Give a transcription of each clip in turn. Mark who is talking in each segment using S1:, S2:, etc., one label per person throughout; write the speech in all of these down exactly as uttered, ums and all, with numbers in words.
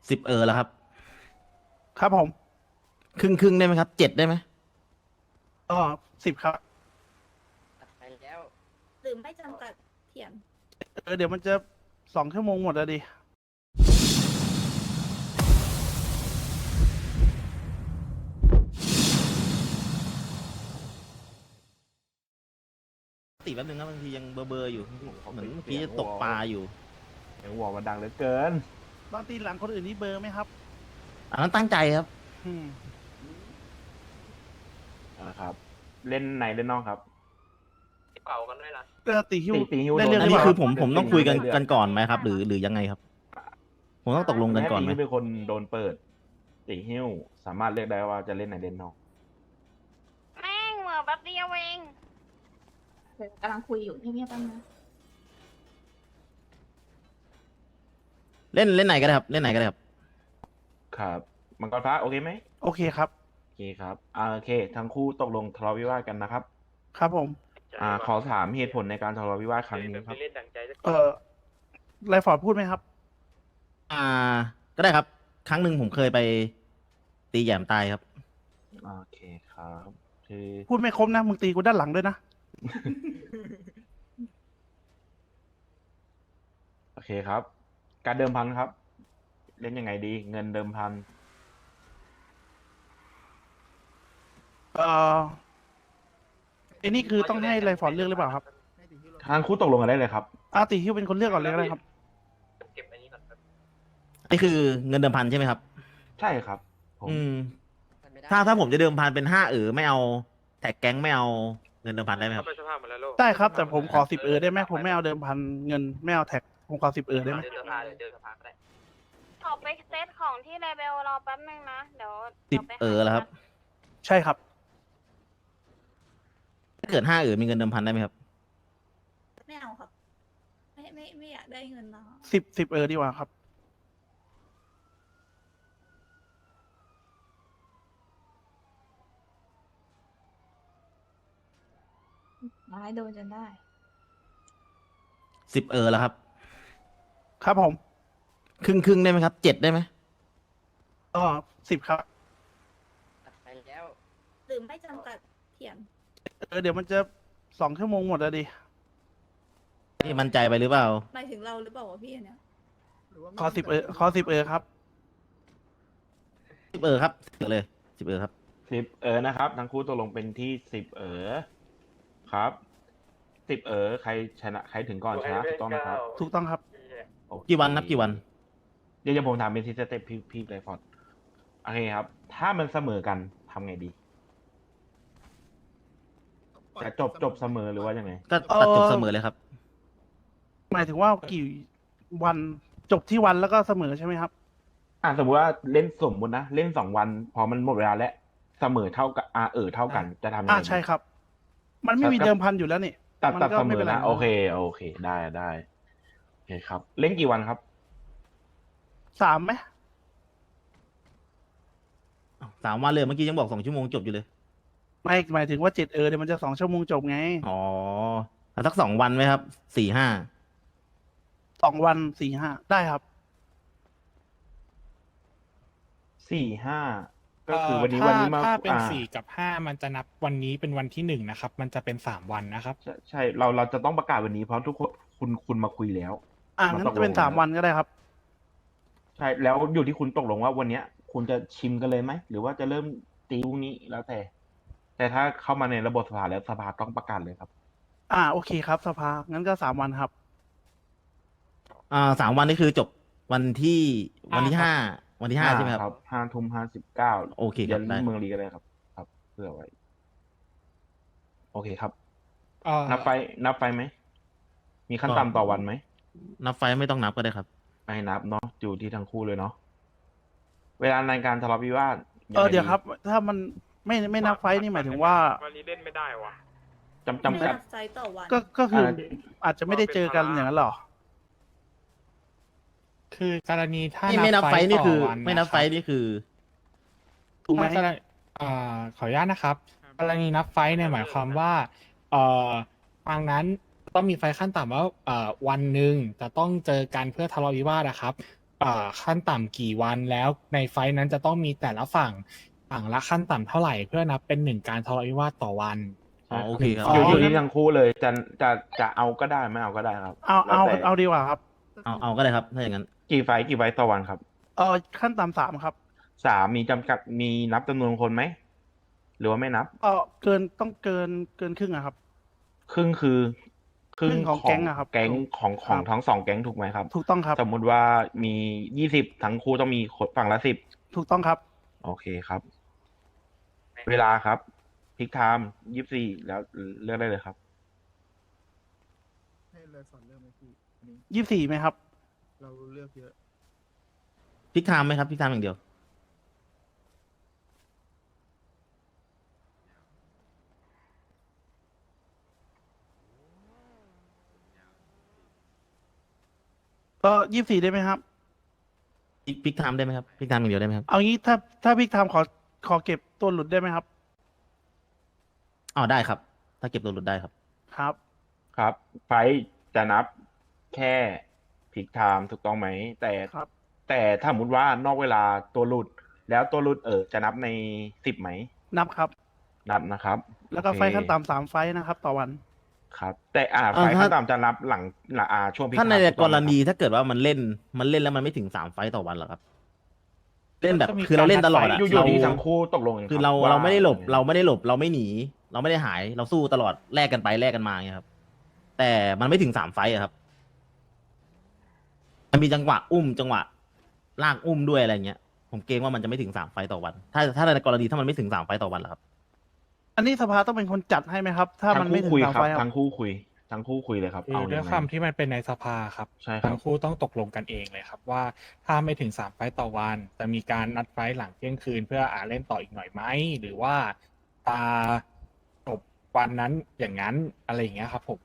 S1: สิบเออแล้วครับ
S2: ครับผม
S1: ครึ่งครึ่งได้ไหมครับเจ็ดได้ไหม
S2: อ๋อสิบครับ
S3: ไปแล้ว
S4: หรือไม่จำกัดเถียง
S2: เออเดี๋ยวมันจะสองชั่วโมงหมดแล้วดิ
S1: ติแป๊บนึงนะบางทียังเบอร์เบอร์อยู่เหมือนเมื่อกี้จะตกปลาอยู่
S5: เสียงหัวมันดังเหลือเกิน
S2: บางทีหลังคนอื่นนี่เบอร์ไหมครับ
S1: อันนั้นตั้งใจครับ
S2: อืม
S5: นะครับ เล่นในเล่นนอกครับ
S3: เป่ากันด้วยล่ะ
S2: เออตีฮิว
S5: ตีตีฮิว
S2: ได้เรื่อง
S1: อัน
S2: ห
S1: นี้
S2: เปล่า
S1: คือผมผมต้องคุยกัน
S5: เรื่อง
S1: กันก่อนไหมครับ หรือหรือยังไงครับ ผมต้องตกลงกันก่อนไหม
S5: แม่ตีฮิวเป็นคนโดนเปิดตีฮิวสามารถเลือกได้ว่าจะเล่นในเล่นนอก
S4: แม่งเหมือแป๊บเดียวเองเดี๋ยวกำลังคุยอยู่เงียบๆแป๊บนึง
S1: เล่นเล่นไหนก็ได้ครับเล่นไหนก็ได้ครับ
S5: ครับมังกรฟ้าโอเคไหม
S2: โอเคครับ
S5: โอเคครับอ่าโอเค ทั้งคู่ตกลงทะเลาะวิวาทกันนะครับ
S2: ครับผม
S5: อ่า ขอถามเหตุผลในการทะเลาะวิวาทครั้งนี้ครับ
S3: เล่นดังใจสัก
S2: เออไรฟอร์ดพูดไหมครับ
S1: อ่า ก็ได้ครับ ครั้งหนึ่งผมเคยไป ตีแหยมตายครับ
S5: โอเคครับคือ
S2: พูดไม่ครบนะมึงตีกูด้านหลังด้วยนะ
S5: โอเคครับ การเดิมพันครับ เล่นยังไงดี เงินเดิมพัน
S2: เออไอ้นี่คือต้องให้ไรฟอร์ดเลือกหรือเปล่าครับ
S5: ทั้งคู่ตกลงกันได้เลยครับ
S2: อาตีฮิวเป็นคนเลือกก่อนเลยก็ได้ครับ
S3: เก็บอันนี้ก่อนครับ
S1: นี่คือเงินเดิมพันใช่ไหมครับ
S5: ใช่ครับผม
S1: อืม ถ้าถ้าผมจะเดิมพันเป็นห้าเออไม่เอาแท็กแก๊งไม่เอาเงินเดิมพันได้ไหมครับ
S3: ไปสภาพมาแล้วโลก
S2: ได้ครับ แต่ผมขอสิบเออได้ไหมผมไม่เอาเดิมพันเงินไม่เอาแท็กผมขอสิบเออได้ไหม
S3: เดินสภาเดินสภาก็ได้
S4: ออกไปเซตของที่เลเบลรอแป๊บนึงนะ เดี๋ยว
S1: สิบเออแล้วครับ
S2: ใช่ครับ
S1: ถ้าเกิดห้าเออมีเงินเดิมพันได้ไหมครับ
S4: ไม่เอาครับ ไม่ไม่ไม่อยากได้เงินแล้ว
S2: สิบสิบเออดีกว่าครับ
S4: ร้ายโดนจนได้
S1: สิบเออแล้วครับ
S2: ครับผม
S1: ครึ่งครึ่งได้ไหมครับเจ็ดได้ไหม
S2: อ๋อสิบครับ
S3: ไปแล้ว
S4: หรือไม่จำกัดเถียง
S2: เออเดี๋ยวมันจะสองชั่วโมงหมดแล้วดิ
S1: นี่มั่นใจไปหรือเปล่า
S4: หมายถึงเราหรือเปล่าวะพี่อันเนี้ย
S2: ขอสิบเออขอสิบเออครับ
S1: สิบเออครับสิบเออเลยสิบเออครับ
S5: สิบเออนะครับ ทั้งคู่ตกลงเป็นที่สิบเออครับสิบเออใครชนะใครถึงก่อนชนะถูกต้องนะครับ
S2: ถูกต้องครับ
S5: โอเค
S1: กี่วันนับกี่วัน
S5: เดี๋ยวจะผมถามเป็นทีสเต็ปพี่พี่ไรฟอร์ดโอเคครับ ถ้ามันเสมอกันทำไงดี จะจบจบเสมอหรือว่ายังไง
S1: ก็ตัดจบเสมอเลยครับ
S2: หมายถึงว่ากี่วันจบที่วันแล้วก็เสมอใช่ไหมครับ
S5: อ่าสมมติว่าเล่นสมมุตินะเล่นสองวัน พอมันหมดเวลาแล้วเสมอเท่ากับอ่าเออเท่ากันจะทำยัง
S2: อ่า
S5: ไงดี
S2: ใช่ครับ มันไม่มีเดิมพันอยู่แล้วนี่
S5: ตัด
S2: มัน
S5: ตัด
S2: ก็
S5: เสม
S2: ไม่
S5: อ
S2: เป็นไร
S5: นะโอเคโอเค ได้ได้โอเคครับ เล่นกี่วันครับ
S2: สามไหม
S1: สามวันเลยเมื่อกี้ยังบอกสองชั่วโมงจบอยู่เลย
S2: ไม่หมายถึงว่าเจ็ดเออเดี๋ยวมันจะสองชั่วโมงจบไง
S1: อ๋อเอาสักสองวันไหมครับสี่ห้า
S2: สองวันสี่ห้าได้ครับ
S5: สี่ห้าก็คือวันนี้
S6: เอ่อ
S5: วันนี้มา
S6: ถ้าเป็น
S5: อ่า
S6: สี่กับห้ามันจะนับวันนี้เป็นวันที่หนึ่งนะครับ มันจะเป็นสามวันนะครับ
S5: ใช่ใช่เราเราจะต้องประกาศวันนี้เพราะทุกคนคุณคุณมาคุยแล้ว
S2: อ่า
S5: มัน
S2: งั้น
S5: ตกลง
S2: จะเป็นสาม
S5: แล้ว
S2: วันก็ได้ครับ
S5: ใช่แล้วอยู่ที่คุณตกลงว่าวันเนี้ย คุณจะชิมกันเลยไหมหรือว่าจะเริ่มตีพรุ่งนี้แล้วแต่ แต่ถ้าเข้ามาในระบบสภาแล้วสภาต้องประกาศเลยครับ
S2: อ่าโอเคครับสภางั้นก็สามวันครับ
S1: อ่าสามวันนี่คือจบวันที่วันที่ห้าวันที่ห้าใช่ไหมครับ
S5: ห้าทุ่มห้าสิบเก้า
S1: โอเคครับ
S5: ยัน
S1: ได้
S5: เมืองลีก็ได้ครับ ครับ เพื่อไว้ โอเคครับ
S6: เอ่อ
S5: นับไฟนับไฟไหม มีขั้นต่ำต่อวันไหม
S1: นับไฟล์ไม่ต้องนับก็ได้ครับ
S5: ไม่นับเนาะอยู่ที่ทั้งคู่เลยเนาะเวลาในการทะเลาะวิวาท
S2: เออเดี๋ยวครับ ถ้ามันไม่ไม่นับไฟท์นี่หมายถึงว่า
S3: วันนี้เล่นไม่ได้วะ
S5: จำจำกัด
S4: ไม่นับไซต์ต่อวัน
S2: ก็ก็คือ
S5: อ่า
S2: อาจจะไม่ได้เจอกันอย่างนั้นหรอ
S6: คือกรณีถ้า
S1: ไม่ไม่นับไฟล์นี่คือ
S6: ต่วั
S1: ไม่นับไฟล์
S6: ะครับ
S1: นี่คือ
S2: ถูกไหม
S6: ถ้ากรณีเอ่อขออนุญาตนะครับ กรณีนับไฟล์เนี่ยหมายความว่าเอ่อทางนั้นต้องมีไฟล์ขั้นต่ำว่าเอ่อวันหนึ่งจะต้องเจอกันเพื่อทะเลาะวิวาทนะครับอ่าขั้นต่ำกี่วันแล้วในไฟท์นั้นจะต้องมีแต่ละฝั่งฝั่งละขั้นต่ำเท่าไหร่เพื่อนับเป็นหนึ่งการทะเลาะวิวาทต่อวัน
S1: อ๋อโอเคครับ
S5: อยู่
S2: อ๋อ
S5: อยู่ที่ทั้งคู่เลยจะจะจะเอาก็ได้ไม่เอาก็ได้ครับ
S2: เอาเอา
S5: แล้วแต่
S2: เอาดีกว่าครับ
S1: เอาเอาก็ได้ครับถ้าอย่างนั้น
S5: กี่ไฟล์กี่ไฟล์ต่อวันครับ
S2: เออขั้นต่ำสามครับ
S5: สามมีจำกัดมีนับจำนวนคนไหมหรือว่าไม่นับ
S2: เออเกินต้องเกินเกินครึ่งอะครับ
S5: ครึ่งคือ
S2: ครึ่งของแก๊งอะครับ
S5: แก๊งของของ
S2: ครับ
S5: ทั้งสองแก๊งถูกไหมครับ
S2: ถูกต้องครับ
S5: สมมุติว่ามียี่สิบทั้งคู่ต้องมีคนฝั่งละสิบ
S2: ถูกต้องครับ
S5: โอเคครับ เวลาครับพิกไทม์ยี่สิบสี่แล้วเลือกได้เลยครับ
S7: ให้เลยสอนเรื่องไหมพี่อันนี้
S2: ยี่สี่ไหมครับ
S7: เราเลือกเยอะ
S1: พลิกไทม์ไหมครับพลิกไทม์อย่างเดียว
S2: ก็ยี่สี่ได้ไหมครับ
S1: พลิกพลิกไทม์ได้ไหมครับพลิกไทม์อย่างเดียวได้ไหมครับ
S2: เอางี้ถ้าถ้าพี่ทำขอขอเก็บตัวหลุดได้ไหมครับ
S1: อ๋อได้ครับ ถ้าเก็บตัวหลุดได้ครับ
S2: ครับ
S5: ครับ ไฟล์จะนับแค่พิกไทม์ถูกต้องไหม แต่
S2: ครับ
S5: แต่ถ้าสมมติว่านอกเวลาตัวหลุด แล้วตัวหลุดเออจะนับในสิบไหม
S2: นับครับ
S5: นับนะครับ
S2: แล้วก็
S5: โอเค
S2: ไฟขั้นต่ำสามไฟนะครับ ต่อวัน
S5: ครับ แต่อ่า
S1: อ่า
S5: ไฟล์
S1: ถ้า
S5: ขั้นต่ำจะนับหลังหลังอ่าช่วงพิก
S1: ถ้าใน
S5: ไทม์ถู
S1: ก
S5: ต้อง
S1: ร
S5: ไหม
S1: ณี
S5: ครับ
S1: ถ้าเกิดว่ามันเล่นมันเล่นแล้วมันไม่ถึงสามไฟต์ต่อวันเหรอครับ เล่นแบบ
S2: ก็มี
S1: คือเราเล่นตลอด
S2: การนั
S1: อะ
S2: ดไฟต์
S5: อยู่อ
S1: เรา
S5: ยู่ที่ทั้งคู่ตกลงกัน
S1: คือ
S5: รับ
S1: เรา
S5: ว่
S1: เราไม่ได้หลบ เราไม่ได้หลบ เราไม่หนี เราไม่ได้หาย เราสู้ตลอดแลกกันไปแลกกันมาเงี้ยครับ แต่มันไม่ถึงสามไฟต์อะครับ มันมีจังหวะอุ้มจังหวะลากอุ้มด้วยอะไรเงี้ย ผมเกรงว่ามันจะไม่ถึงสามไฟต์ต่อวัน ถ้าถ้าในกรณีถ้ามันไม่ถึงสามไฟต์ต่อวันเหรอครับ
S2: อันนี้สภาต้องเป็นคนจัดให้ไหมครับ ถ้ามัน
S5: ทั้ง
S2: ไม่
S5: คู่
S2: ถึง
S5: คุย
S2: สาม
S5: ครับ
S2: ไฟครับ
S5: ทั้งคู่คุยทั้งคู่คุยเลยครับ
S6: คือ
S5: เอา
S6: ด้ว
S5: ยั
S6: ย
S5: งไง
S6: ความที่มันเป็นในสภาครับ
S5: ใช่ครับ
S6: ทั้งคู่ต้องตกลงกันเองเลยครับ ว่าถ้าไม่ถึงสามไฟต์ต่อวัน จะมีการนัดไฟต์หลังเที่ยงคืน เพื่ออ่าเล่นต่ออีกหน่อยไหมหรือว่าตาจบวันนั้นอย่างนั้นอะไรอย่างเงี้ยครับผม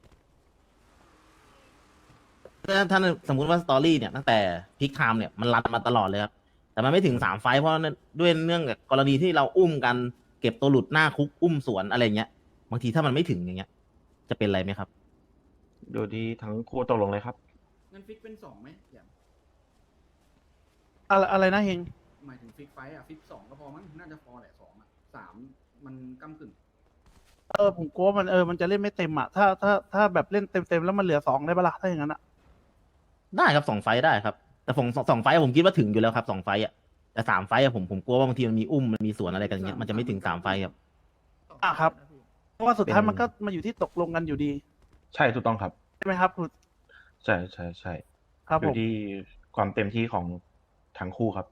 S1: ถ้าถ้าสมมุติว่าสตอรี่เนี่ยตั้งแต่พิกไทม์เนี่ยมันรันมาตลอดเลยครับ แต่มันไม่ถึงสามไฟต์เพราะด้วยเนื่องจากกรณีที่เราอุ้มกันเก็บตัวหลุดหน้าคุกอุ้มสวนอะไรเงี้ยบางทีถ้ามันไม่ถึงอย่างเงี้ย จะเป็นอะไรไหมครับ
S5: ดูที่ทั้งคู่ตกลงเลยครับ
S7: งั้นฟิกเป็นสองไหมอย่าง
S2: อะไรอะไรนะเฮง
S7: หมายถึงฟิกไฟท์อ่ะ ฟิกสองก็พอมั้ง น่าจะพอแหละสองอ่ะสามมันก้ำกึ่ง
S2: เออผมกลัวมันเออมันจะเล่นไม่เต็มอ่ะถ้าถ้าถ้าแบบเล่นเต็มเต็มๆแล้วมันเหลือสองได้ปะล่ะถ้าอย่างนั้นอ่ะ
S1: ได้ครับสองไฟต์ได้ครับ แต่ผมสองสองไฟต์ผมคิดว่าถึงอยู่แล้วครับสองไฟต์อ่ะแต่สามไฟต์อะผมผมกลัวว่าบางทีมันมีอุ้มมันมีสวนอะไรกันอย่างเงี้ยมันจะไม่ถึงสามไฟต์ครับ
S2: อ่ะครับ เพราะว่าสุดท้าย
S1: เป็น
S2: มันก็มาอยู่ที่ตกลงกันอยู่ดี
S5: ใช่ถูกต้องครับ
S2: ใช่ไหมครับคุณ
S5: ใช่ใช่ใช่
S2: ครับ
S5: อ
S2: ผ
S5: ยู่
S2: ม
S5: ที่ความเต็มที่ของทั้งคู่ครับ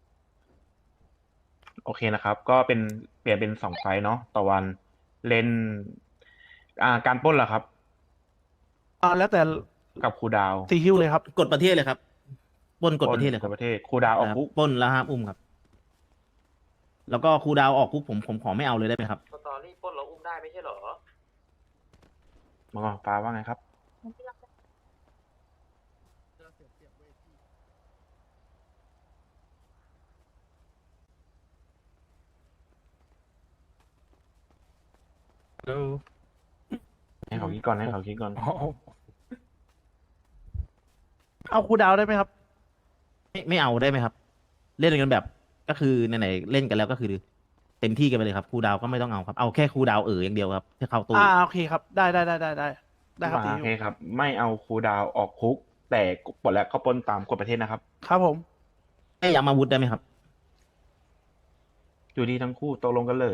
S5: โอเคนะครับ ก็เป็นเปลี่ยนเป็นสองไฟล์เนาะต่อวันเล่น อ่า การปล้นล่ะครับ
S2: อ่าแล้วแต่
S5: กับครูดาว
S2: ซีฮิวเลยครับ
S1: กฎประเทศเลยครับปล้นกฎประเทศเลย
S5: ก
S1: ครั
S5: ฎ
S1: บ
S5: ประเทศครูดาวออก
S1: ครับ
S5: คุก
S1: ปล้นแล้วห้ามอุ้มครับ แล้วก็ครูดาวออกคุกผมผมขอไม่เอาเลยได้ไหมครับ
S3: สตอรี่ปล้นเราอุ้มได้ไม่ใช่เหรอ
S5: มาก่อนฟ้าว่าไงครับ
S6: แล้ว
S5: ให้เขาคิดก่อนให้เขาคิดก่อน
S6: อ๋อ
S2: เอาครูดาวได้ไหมครับ
S1: ไม่ไม่เอาได้ไหมครับ เล่นกันแบบก็คือไหนๆเล่นกันแล้วก็คือ เต็มที่กันไปเลยครับครูดาวก็ไม่ต้องเอาครับเอาแค่ครูดาวเอออย่างเดียวครับที่เข้าตู้
S2: อ่าโอเคครับ ได้ได้ได้ได้ได้ได้ครับซี
S5: โอ
S2: ฮิว
S5: เคครับ ไม่เอาครูดาวออกคุก แต่ปลดแล้วก็ปล้นตามกฎประเทศนะครับ
S2: ครับผม
S1: ไม่ย้ำอาวุธได้ไหมครับ
S5: อยู่ที่ทั้งคู่ตกลงกันเลย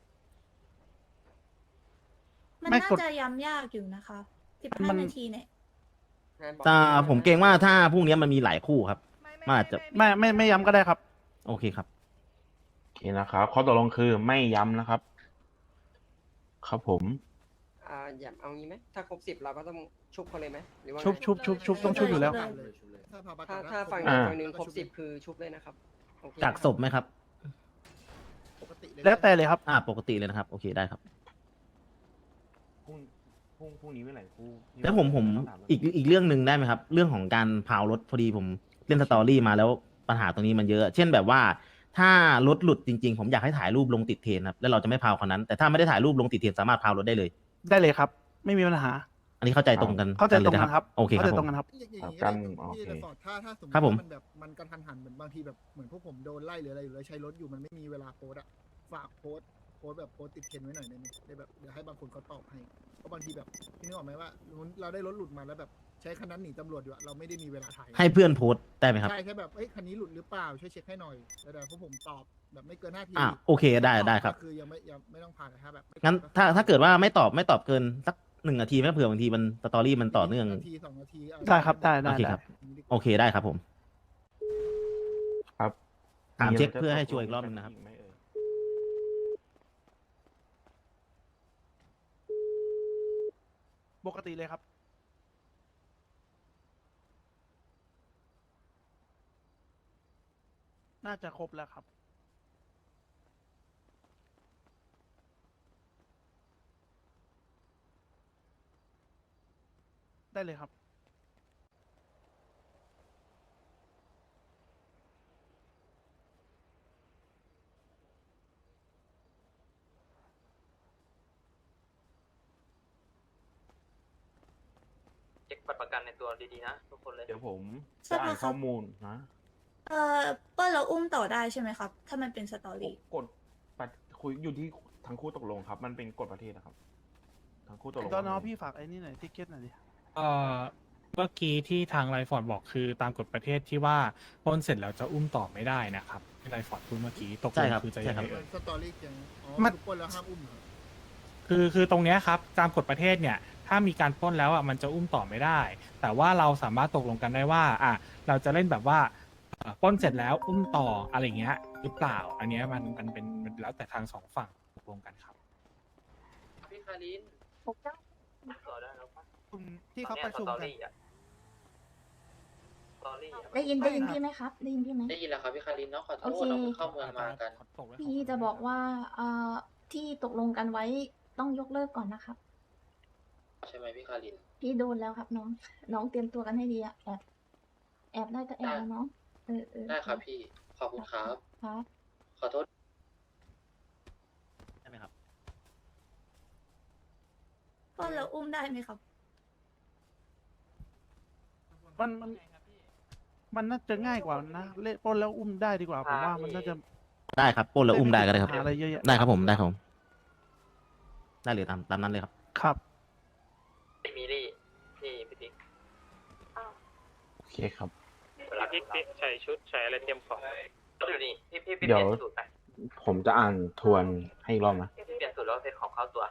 S8: มัน
S2: ไม่
S8: น่าก
S2: ด
S8: จะย้ำยากอยู่นะคะสิบ
S2: มั
S8: ห้าน นาทีเนี่ย
S1: ถ้าผมเกรงว่าถ้าพรุ่งนี้มันมีหลายคู่ครับมันอาจจะ
S2: ไม่ไม่ไม่ย้ำก็ได้ครับ
S1: โอเคครับ
S5: โอเคนะครับข้อตกลงคือไม่ย้ำนะครับ ครับผม
S9: อ่าอย่าเอางี้ไหมถ้าครบสิบเราก็ต้องชุบเขาเลยไหมหรือว่าไง
S2: ชุบชุบชุบชุบต้องชุบอยู่แล้ว
S7: เลยชุบเลยถ้าพาประกั
S9: ถ้าน
S7: ก็
S9: ถ้าฝั่ง
S5: อ่า
S9: ฝั่งหนึ่งครบสิบคือชุบเลยนะครับโอเค
S1: จากศพไหมครับ
S7: ปกติเลย
S2: แล้วแต่เลยครับ
S1: อ่าปกติเลยนะครับ โอเคได้ครับ
S5: พรุ่งพรุ่งพรุ่งนี้เมื่อไหร่ครู
S1: แล้วผมผมอีกอีกเรื่องหนึ่งได้ไหมครับ เรื่องของการพาวรถพอดีผมเล่นสตอรี่มาแล้วปัญหาตรงนี้มันเยอะ เช่นแบบว่าถ้ารถหลุดจริงๆ ผมอยากให้ถ่ายรูปลงติดเทรนครับแล้วเราจะไม่พาวคนนั้น แต่ถ้าไม่ได้ถ่ายรูปลงติดเทรนสามารถพาวรถได้เลย
S2: ได้เลยครับ ไม่มีปัญหา
S1: อันนี้เข้าใจตรงกัน
S2: เข้าใจตรง
S1: ลย
S2: กันครับ
S1: โอเคค
S2: เข้า
S1: รับ
S2: ใจ
S1: ผ
S2: ตร
S1: ม
S2: งกันครับ
S10: อย่างอย่าง
S5: ครับ
S10: นี้
S5: กัน
S10: ก็
S5: โอ
S10: ได้
S5: เค
S10: พี่ฟอร์ดถ้าถ้าสมม
S1: ครับ
S10: ติ
S1: ผม
S10: ว่ามันแบบมันกระทันหันเหมือนบางทีแบบเหมือนพวกผมโดนไล่หรืออะไรอยู่แล้วใช้รถอยู่มันไม่มีเวลาโพสต์อะฝากโพสต์โพสต์แบบโพสต์ติดเทรนด์ไว้หน่อยได้ไหมได้แบบเดี๋ยวให้บางคนเขาตอบให้เพราะบางทีแบบพี่นึกออกไหมว่าเราได้รถหลุดมาแล้วแบบใช้คันนั้นหนีตำรวจอยู่อะเราไม่ได้มีเวลาถ่าย
S1: ให้เพื่อนโพสต์ได้ไหมครับ
S10: ใช่แค่แบบเอ้ยคันนี้หลุดหรือเปล่าช่วยเช็คให้หน่อยแล้วเดี๋ยวพวกผมตอบแบบไม่เกินห้าที
S1: อ่ะโอเคได้ได้ครับ
S10: ก็คือยังไม่ยังไม่ต้องผ่านนะถ้าแบบไม่
S1: งั้น
S10: ตอบ
S1: ถ้าถ้าเกิดว่าไม่ตอบไม่ตอบเกินสักหนึ่งนาทีแม่เผื่อบางทีมันสตอรี่มันต่อเนื่อง
S10: นาทีสองนาทีอะ
S2: ได้ครับได้ได้
S1: โอเค
S2: ได้
S1: ครับ โอเคได้ครับผม
S5: ครับ
S1: ถาม
S5: ะไร
S1: เช็ค
S5: จะ
S1: เพื่อให้
S5: ต
S1: ชัวร์อีกรอบหนึ่งนะครับ
S5: ไหมเอ่ย
S2: ปกติเลยครับ น่าจะครบแล้วครับ ได้เลยครับ
S3: เช็คบัตรประกันในตัวดีๆนะทุกคนเลย
S5: เดี๋ยวผม
S8: ใช่
S5: จะ
S8: ปะ
S5: อ่าน
S8: ครับ
S5: ข้อมูลนะ
S8: เอ่อเปิ้ลเราอุ้มต่อได้ใช่ไหมครับ ถ้ามันเป็นสตอรี่
S5: กฎปฏิคุยอยู่ที่ทั้งคู่ตกลงครับ มันเป็นกฎประเทศนะครับ ทั้งคู่ตกลง
S2: ตอนน้อง
S5: ว่าไง
S2: พี่ฝากไอ้นี่หน่อยทิเก็ตหน่อยดิ
S6: เอ่อเมื่อกี้ที่ทางไรฟอร์ดบอกคือตามกฎประเทศที่ว่าปล้นเสร็จแล้วจะอุ้มต่อไม่ได้นะครับที่ไรฟอร์ดพูดเมื่อกี้ตกล
S1: ใช่
S6: ง
S1: ครับ
S6: คือจะ
S1: ใช่
S6: ยัง
S1: ครั
S6: ไง
S1: บ
S6: เอ่ย
S10: สตอรี่เกียงอ๋อ
S2: มัน
S10: ทุกคนแล้วห้ามอุ้มเหรอ
S6: คือคือตรงเนี้ยครับตามกฎประเทศเนี่ยถ้ามีการปล้นแล้วอ่ะมันจะอุ้มต่อไม่ได้ แต่ว่าเราสามารถตกลงกันได้ว่าอ่ะเราจะเล่นแบบว่าเอ่อปล้นเสร็จแล้วอุ้มต่ออะไรเงี้ยหรือเปล่า อันเนี้ยมันมันเป็นมันแล้วแต่ทางสองฝั่งตกลงกันครับ
S3: พี่คารินต่อได้แล้วปะ
S10: ที่เขาประชุม
S3: ตอน
S10: กัน
S3: เนี้ยสตอรี่อะสตอรี่อะ
S4: ได้ยินได้ยินพี่ไหมครับ ได้ยินพี่ไหม
S3: ได้ยินแล้วครับพี่คารินเนาะขอโท
S4: โอ
S3: ษ
S4: เค
S3: เราเพิ่งเข้าเมืองมากัน
S4: พี่จะบอกว่าเอ่อที่ตกลงกันไว้ต้องยกเลิกก่อนนะครับ
S3: ใช่ไหมพี่คาริน
S4: พี่โดนแล้วครับน้อง น้องเตรียมตัวกันให้ดีอะแอบแอบได้ก็แอบนะน้องเออเออ
S3: ได้ครับพี่ ขอบคุณครับ
S4: ครับ
S3: ขอโทษ
S1: ใช่ไหมครับ
S8: เปิ้ลเราอุ้มได้ไหมครับ
S2: มันมันมันน่าจะง่ายกว่านะเล่นปล้นแล้วอุ้มได้ดีกว่าผมว่ามันน่าจะ
S1: ได้ครับปล้นแล้วอุ้มได้ก็ได้ครับ
S2: หาอะไรเยอะแยะ
S1: ได้ครับผมได้ครับผมได้เลยตามตามนั้นเลยครับ
S2: ครับ
S3: มิลี่พี่พี่ติ๊ก
S5: โอเคครับ
S3: เวลาพี่ติ๊กใส่ชุดใส่อะไรเตรียมของก็อยู่นี่พี่พี่พี่
S5: เดี๋
S3: เป
S5: ยว
S3: ลี่ยนสูตรไป
S5: ผมจะอ่านทวนให้อีกรอบนะ
S3: พี่เปลี่ยนสูตรแล้วเซตของเข้าตัว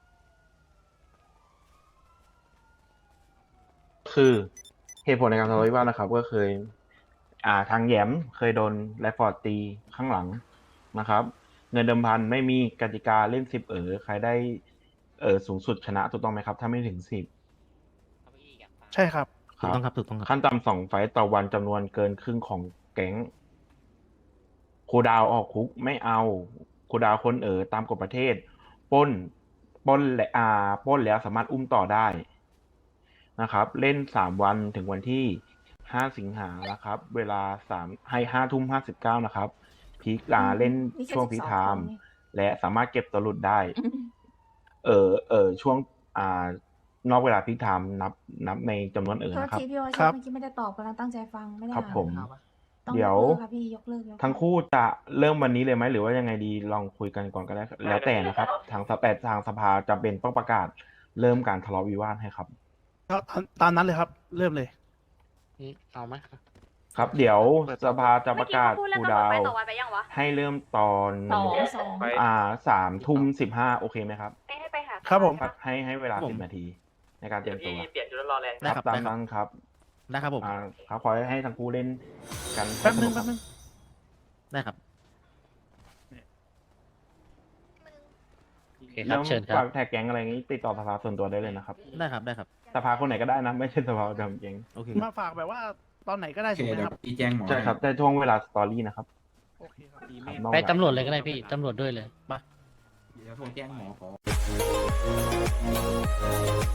S5: คือเหตุผลในการทะเลาะวิวาทนะครับ ก็เคย อ่าทางแหยมเคยโดนแรฟฟอร์ดตีข้างหลังนะครับ เงินเดิมพันไม่มีกติกาเล่นสิบเออใครได้เออสูงสุดชนะถูกต้องไหมครับ ถ้าไม่ถึงสิบ
S2: ใช่ครับ
S1: ถูกต้องครับถูกต้องครับ
S5: ขั้นต่ำสองไฟต์ต่อวันจำนวนเกินครึ่งของแก๊งครูดาวออกคุกไม่เอาครูดาวคนเออตามกฎประเทศปล้นปล้นและอ่าปล้นแล้วสามารถอุ้มต่อได้นะครับ เล่นสามวันถึงวันที่ห้าสิงหานะครับ เวลาสามให้ห้าทุ่มห้าสิบเก้านะครับพีกอ่าเล่น
S4: นี่แค่
S5: ช่วง
S4: สิ
S5: พี
S4: บ
S5: ค
S4: สอง
S5: ไทม์
S4: คนนี่
S5: และสามารถเก็บตัวหลุดได้
S4: อืม
S5: เออเออช่วงอ่านอกเวลาพีคไทม์นับนับในจำนวนเออ
S4: โทษ
S5: นะครับ
S4: ทีพี่ว่า
S2: ครับ
S4: เมื่อกี้ไม่ได้ตอบกำลังตั้งใจฟังไม่ได้
S5: ครับ
S4: อ่าน
S5: ผม
S4: ต้อง
S5: เดี๋ยว
S4: กลิกครับพี่ยกเลิกยกเลิก
S5: ทั้งคู่จะเริ่มวันนี้เลยไหมหรือว่ายังไงดีลองคุยกันก่อนก็ได้แล้วแต่นะครับ ทางสแปดทางสภาจำเป็นต้องประกาศเริ่มการทะเลาะวิวาทให้ครับ
S2: ครับตามตามนั้นเลยครับ เริ่มเลย
S1: เอาไหม
S5: ครับ เดี๋ยวสภาจะป
S4: เมื่อ
S5: ระ
S4: กี้
S5: กาศ
S4: เขาพูดแล้ว
S5: ครู
S4: กำหนด
S5: ดาว
S4: ไปต่อวันไปยังวะ
S5: ให้เริ่มตอน
S4: สองสอง
S5: อ่าสามทุ่มสิบห้าโอเคไหมครับ
S4: ให้ให้ไปหา
S2: ครับผม
S5: ครับให้ให้เวลา
S1: ครับผ
S5: สิ
S1: ม
S5: บนาที ในการเต
S3: เดี๋
S5: รี
S3: ย
S5: ยว มตัว
S3: พี่เปลี่ยนชุดแล้วรอแรง
S1: ได้
S5: ครับ
S1: ครับ
S5: ตามนั้นครับ
S1: ได้ครับผม
S5: อ่าครับขอให้ทั้งคู่เล่นกัน
S2: แป๊บนึง
S5: ส
S2: แป๊บ
S5: ค
S2: นึ
S5: รับ
S2: ง
S1: ได้ครับ
S11: โอเคครับเชิญครับ
S5: ฝากแท็กแก๊งอะไรอย่างนี้ติดต่อสภาส่วนตัวได้เลยนะครับ
S1: ได้ครับได้ครับ
S5: สภาคนไหนก็ได้นะ ไม่ใช่สภาประจำแก๊ง
S1: โอเค
S2: มาฝากแบบว่าตอนไหนก็ได้ถูกไหมครับ
S5: ใช่ครับแต่ช่วงเวลาสตอรี่นะครับ
S2: โอเคครับ
S5: ครับนอก
S11: ไป
S5: จาก
S11: ตำรวจเลยก็ได้พี่ ตำรวจด้วยเลย
S7: เดี๋ยวโทรแจ้งหมอขอ